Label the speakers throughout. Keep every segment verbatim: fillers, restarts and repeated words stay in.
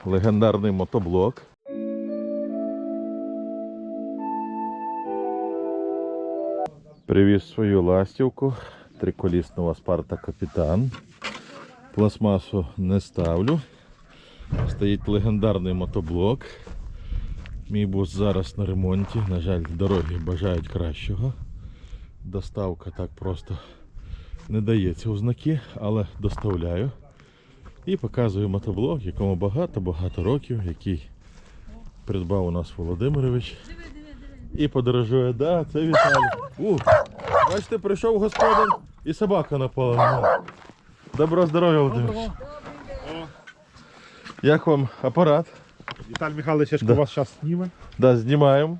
Speaker 1: легендарний мотоблок. Привіз свою ластівку, триколісного Спарта Капітан. Пластмасу не ставлю. Стоїть легендарний мотоблок. Мій бус зараз на ремонті. На жаль, дороги бажають кращого. Доставка так просто не дається у знаки, але доставляю. І показую мотоблок, якому багато-багато років, який придбав у нас Володимирович. І подорожує, да, це Віталій. У, бачите, прийшов господар і собака напала. Доброго здоров'я, Володимирович. Як вам апарат?
Speaker 2: Віталій Михайлович, я ж
Speaker 1: Да.
Speaker 2: вас зараз зніме.
Speaker 1: Да, знімаємо.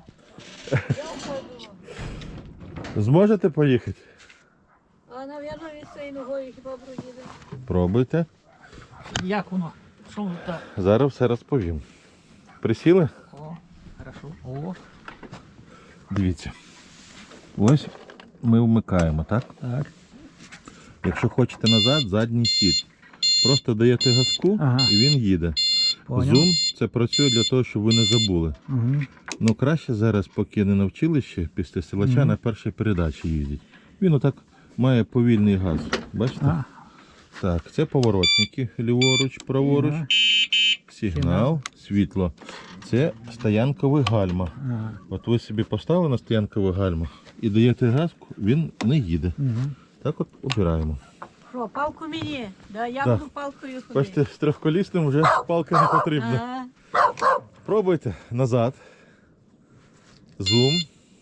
Speaker 1: Зможете поїхати?
Speaker 3: А, навірно, від цієї ногою хіба проїде.
Speaker 1: Пробуйте.
Speaker 4: Як воно? Що воно так?
Speaker 1: Зараз все розповім. Присіли?
Speaker 4: О, хорошо. О,
Speaker 1: Дивіться. Ось ми вмикаємо, так?
Speaker 4: так.
Speaker 1: Якщо хочете назад, задній хід. Просто даєте газку,
Speaker 4: Ага.
Speaker 1: і він їде.
Speaker 4: Поняв.
Speaker 1: Зум це працює для того, щоб ви не забули.
Speaker 4: Угу.
Speaker 1: Ну краще зараз, поки не навчили ще, після силача
Speaker 4: Мгм.
Speaker 1: на першій передачі їздять. Він отак має повільний газ. Бачите?
Speaker 4: А,
Speaker 1: Так, це поворотники, ліворуч, праворуч,
Speaker 4: Ага.
Speaker 1: сигнал, світло. Це стоянковий гальма.
Speaker 4: ага.
Speaker 1: От ви собі поставили на стоянковий гальма і даєте газку, він не їде.
Speaker 4: Угу.
Speaker 1: Так от обираємо.
Speaker 3: Що, палку мені? Да, я
Speaker 1: Да.
Speaker 3: буду палкою ходити.
Speaker 1: Бачите, з трьохколісним вже палка не потрібна.
Speaker 3: Ага.
Speaker 1: Пробуйте назад. Зум.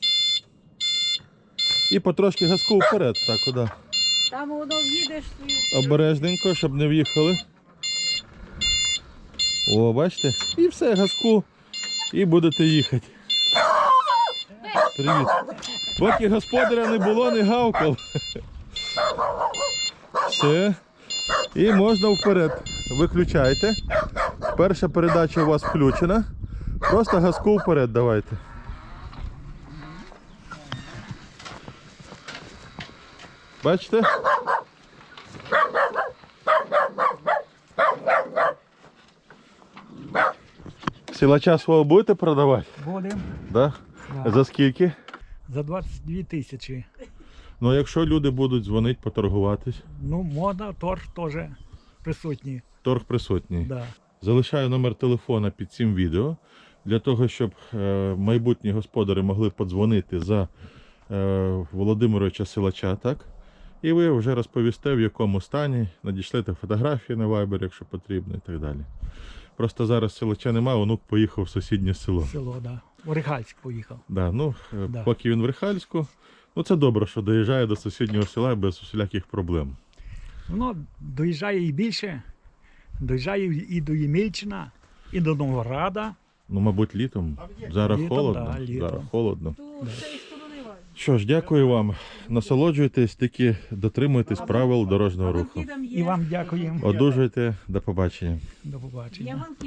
Speaker 1: І потрошки газку вперед. Так, куди?
Speaker 3: Там воно в'їдеш свою.
Speaker 1: Обережненько, щоб не в'їхали. О, бачите? І все, газку. І будете їхати. Привіт. Поки господаря не було, не гавкав. Все. І можна вперед. Виключайте. Перша передача у вас включена. Просто газку вперед давайте. Бачите? Силача свого будете продавати?
Speaker 4: Будемо.
Speaker 1: Да?
Speaker 4: Да.
Speaker 1: За скільки?
Speaker 4: За двадцять дві тисячі.
Speaker 1: Ну, якщо люди будуть дзвонити, поторгуватись,
Speaker 4: Ну, мода, торг теж присутній.
Speaker 1: торг присутній.
Speaker 4: Да.
Speaker 1: Залишаю номер телефона під цим відео, для того, щоб е, майбутні господарі могли подзвонити за е, Володимировича Силача, так? І ви вже розповісте, в якому стані, надішлете фотографії на Viber, якщо потрібно, і так далі. Просто зараз Силача немає, онук поїхав в сусіднє село.
Speaker 4: Село, да. В Рихальськ поїхав.
Speaker 1: Да, ну, е,
Speaker 4: Да.
Speaker 1: поки він в Рихальську, ну це добре, що доїжджає до сусіднього села без усіляких проблем.
Speaker 4: Воно доїжджає і більше. Доїжджає і до Ємільчина, і до Новограда.
Speaker 1: Ну, мабуть, літом. Зараз
Speaker 4: Літом,
Speaker 1: холодно.
Speaker 4: да, літом.
Speaker 1: Зараз холодно.
Speaker 3: Ту з цієї сторони важко.
Speaker 1: Що ж, дякую вам. Насолоджуйтесь, тільки дотримуйтесь правил дорожнього
Speaker 3: А
Speaker 1: руху.
Speaker 3: вон кидам є.
Speaker 4: І вам дякуємо.
Speaker 1: Одужуйте, до побачення.
Speaker 4: До побачення.
Speaker 3: Я вон